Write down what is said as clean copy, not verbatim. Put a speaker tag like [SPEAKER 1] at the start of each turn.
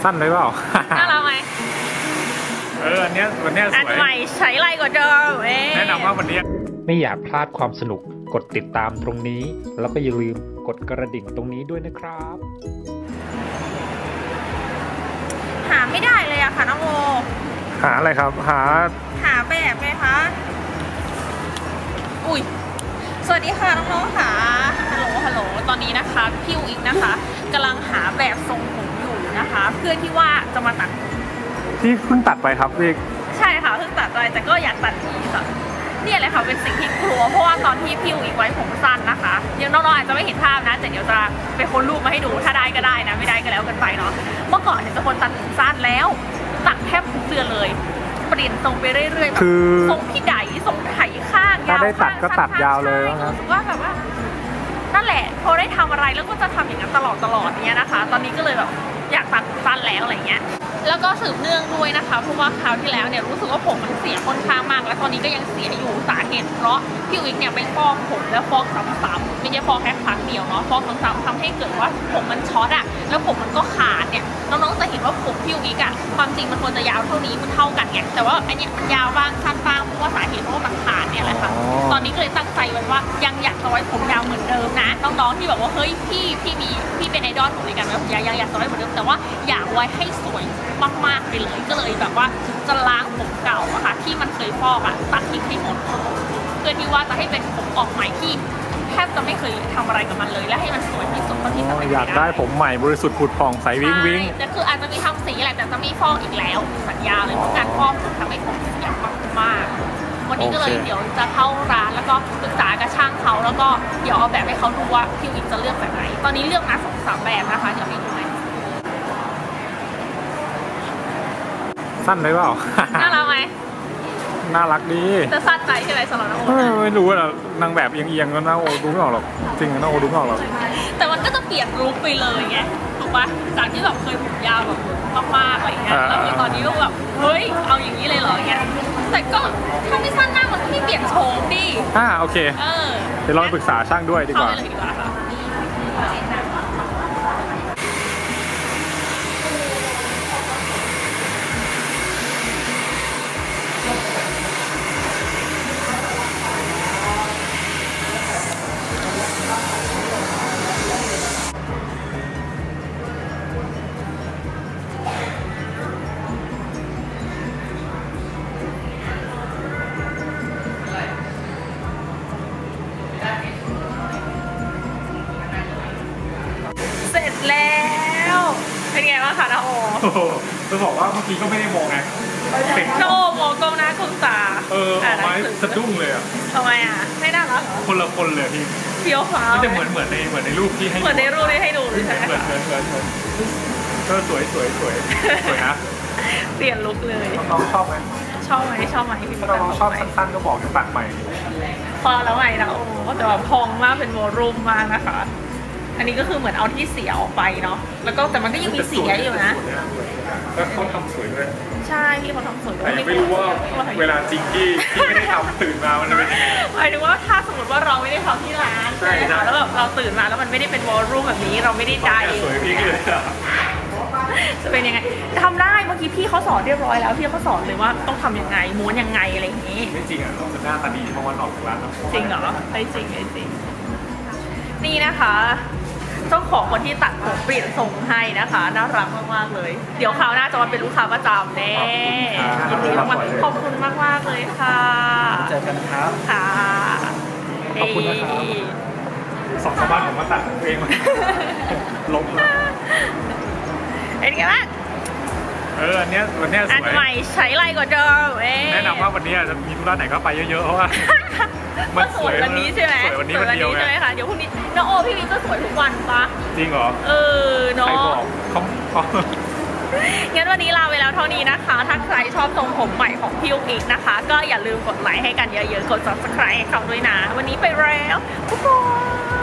[SPEAKER 1] สั้นเลยเปล่า
[SPEAKER 2] น่ารักไหม
[SPEAKER 1] วันนี้สวย
[SPEAKER 2] อันใหม่ใช้ไรกว่าเดิม
[SPEAKER 1] แนะนำว่าวันนี้ไม่อยากพลาดความสนุกกดติดตามตรงนี้แล้วก็อย่าลืมกดกระดิ่งตรงนี้ด้วยนะครับ
[SPEAKER 2] หาไม่ได้เลยอะค่ะน้องโม
[SPEAKER 1] หาอะไรครับหา
[SPEAKER 2] แบบไหมคะอุ้ยสวัสดีค่ะน้องๆค่ะฮัลโหลตอนนี้นะคะพี่อีกนะคะกำลังหาแบบทรงผมอยู่นะคะเพื่อที่ว่าจะมาตัด
[SPEAKER 1] ที่เพิ่งตัดไปครับพี่
[SPEAKER 2] ใช่ค่ะเพิ่งตัดไปแต่ก็อยากตัดอีกค่ะนี่เลยค่ะเป็นสิ่งที่กลัวเพราะว่าตอนที่พี่อีกไว้ผมสั้นนะคะยังน้องๆอาจจะไม่เห็นภาพนะแต่เดี๋ยวจะไปค้นรูปมาให้ดูถ้าได้ก็ได้นะไม่ได้ก็แล้วกันไปเนาะเมื่อก่อนเนี่ยจะคนตัดผมสั้นแล้วตัดแทบทุกเดือนเลยเปลี่ยนทรงไปเรื่อยๆแบบทรงพี่ไดทรงไถข้างยาว
[SPEAKER 1] ถ้าได้ตัดก็ตัดยาวเลยนะ
[SPEAKER 2] ว่าแบบว่านั่นแหละพอได้ทำอะไรแล้วก็จะทำอย่างนั้นตลอดเนี้ยนะคะตอนนี้ก็เลยแบบอยากตัดสั้นแล้วอะไรเงี้ยแล้วก็สืบเนื่องด้วยนะคะเพราะว่าคราวที่แล้วเนี่ยรู้สึกว่าผมมันเสียค่อนข้างมากและตอนนี้ก็ยังเสียอยู่สาเหตุเพราะพี่วิกเนี่ยไปฟอกผมแล้วฟอกซ้ำๆไม่ใช่ฟอกแค่ครั้งเดียวเนาะฟอกซ้ำๆทำให้เกิดว่าผมมันช็อตอะแล้วผมมันก็ขาดเนี่ยน้องๆจะเห็นว่าผมพี่วิกอะความจริงมันควรจะยาวเท่านี้มันเท่ากันไงแต่ว่าอันนี้มันยาวบ้างสั้นบ้างเพราะว่าสาเหตุเพราะว่ามันขาดเนี่ยแหละค่ะตอนนี้ก็เลยตั้งใจไว้ว่ายังอยากจะไว้ผมยาวเหมือนเดิมนะน้องๆที่บอกว่าเฮ้ยพี่เป็นไอดอลผมเลยกันว่าผมยังอยากจะไว้เหมือนเดิมแต่ว่าอยากไว้ให้สวยมากๆไปเลยก็เลยแบบว่าจะล้างผมเก่าอะค่ะที่มันเคยฟอกอะตัดทิ้งให้หมดเพื่อที่ว่าจะให้เป็นผมออกใหม่ที่แทบจะไม่เคยทำอะไรกับมันเลยและให้มันสวยที่สุดเท่าที่จะเป็นไปได้
[SPEAKER 1] อยากได้ผมใหม่บริสุทธิ์ผุดผ่องใสวิ้งวิ้ง
[SPEAKER 2] แต่คืออาจจะมีทำสีแหละแต่จะไม่ฟอกอีกแล้วสัญญาเลยเพราะการฟอกทำให้ผมเสียมากวันนี้ก็เลยเดี๋ยวจะเข้าร้านแล้วก็ปรึกษากับช่างเขาแล้วก็เดี๋ยวเอาแบบให้เขาดูว่าพี่วิกจะเลือกแบบไหนตอนนี้เลือกมา2-3แบบนะคะเดี๋ยวให้ดูไหม
[SPEAKER 1] สั้นเลยเปล่า
[SPEAKER 2] น่ารักไหม
[SPEAKER 1] น่ารักดี
[SPEAKER 2] จะสั้นใจใช่ไหมสำหรับน้องโอ
[SPEAKER 1] ไม่รู้อะนางแบบเอียงๆก็น่าโอดูไม่ออกหรอกจริงน่าโอดูไม่ออกหรอก
[SPEAKER 2] แต่มันก็จะเปลี่ยนลุคไปเลยไงถูกปะจากที่แบบเคยผมยาวแบบมากๆอะไรเงี้ยแล้วตอนนี้ก็แบบเฮ้ยเอาอย่างนี้เลยเหรอเงี้ยแต่ก็ถ้าไม่สั้นมากมันไม่เปลี่ยนโฉมดิ
[SPEAKER 1] โอเคเดี๋ยวเราไปปรึกษาช่างด้วยดีกว่า
[SPEAKER 2] เข้าไปเลยดีกว่าค่ะแล้วเป็นไงบ้างคะน้าโอ
[SPEAKER 1] จะบอกว่าเมื่อกี้ก็ไม่ได้มองไง
[SPEAKER 2] น้าโอมองกล้องหน้าก้มตา
[SPEAKER 1] ออกมาสะดุ้งเลยอ่ะ
[SPEAKER 2] ทำไมอ่ะไม่น่ารัก
[SPEAKER 1] คนละคนเลยพี่
[SPEAKER 2] เฟี้ยวฟ้าว
[SPEAKER 1] จะเหมือนในรูปที่ให้
[SPEAKER 2] เหมือนในรูปที่ให้ดูใช่ไหม
[SPEAKER 1] ก็สวยนะ
[SPEAKER 2] เปลี่ยนลุคเลย
[SPEAKER 1] น้องชอบไหม
[SPEAKER 2] ชอบไหม
[SPEAKER 1] ถ้าน้องชอบสั้นๆก็บอกจะตัดใหม่
[SPEAKER 2] พอแล้วไงนะโอ้แต่ว่าพองมากเป็นวอลลุ่มมากนะคะอันนี้ก็คือเหมือนเอาที่เสียออกไปเนาะแล้วก็แต่มันก็ยังมีเสียอยู่นะ
[SPEAKER 1] แล้วเขาทำสวยด้วย
[SPEAKER 2] ใช่ที่เขาทำสวยด้วย
[SPEAKER 1] ไม่รู้ว่าเวลาจริงที่ไม่ได้ทำตื่นมามันจะเป็นยังไง
[SPEAKER 2] หมายถึงว่าถ้าสมมติว่าเราไม่ได้ทำที่ร้านใช่ไหมคะแล้วแบบเราตื่นมาแล้วมันไม่ได้เป็นวอลลุ่มแบบนี้เราไม่ได้ได้
[SPEAKER 1] สวยพี่เลย
[SPEAKER 2] จะเป็นยังไงทำได้เมื่อกี้พี่เขาสอนเรียบร้อยแล้วพี่เขาสอนเลยว่าต้องทำยังไงม้วนยังไงอะไรอย่างนี้
[SPEAKER 1] ไม่จริงอ่ะเราจะหน้าตาดีเพราะว่าออกจากร้าน
[SPEAKER 2] จริงเหรอไม่จริงนี่นะคะเจ้าของคนที่ตัดผมเปลี่ยนทรงให้นะคะน่ารักมากๆเลยเดี๋ยวคราวหน้าจะมาเป็นลูกค้าประจำแน่ยินดีมากๆขอบคุณมากๆเลยค่ะ
[SPEAKER 1] เจอกันครับ
[SPEAKER 2] ค่ะ
[SPEAKER 1] ขอบคุณนะครับ2 บ้านผมมาตัดเองลบ
[SPEAKER 2] เป็นไงบ้าง
[SPEAKER 1] วันนี้สวย
[SPEAKER 2] อันใหม่ใช้ไรกว่าเดิม
[SPEAKER 1] แนะนำว่าวันนี้จะมีธุระไหนก็ไปเยอะๆเพราะว่า
[SPEAKER 2] มันสวยวันนี้ใช่ไหม
[SPEAKER 1] สวยวันนี้วันเดียว
[SPEAKER 2] ใช่ไหมคะเดี๋ยวพรุ่งนี้น้องโอพี่วิก็สวยทุกวันปะ
[SPEAKER 1] จริงเหรอ
[SPEAKER 2] เนาะ
[SPEAKER 1] ใครบอกเขา
[SPEAKER 2] งั้นวันนี้ลาไปแล้วเท่านี้นะคะถ้าใครชอบทรงผมใหม่ของพี่อีกนะคะก็อย่าลืมกดไลค์ให้กันเยอะๆกด subscribe ให้เขาด้วยนะวันนี้ไปแล้วทุกคน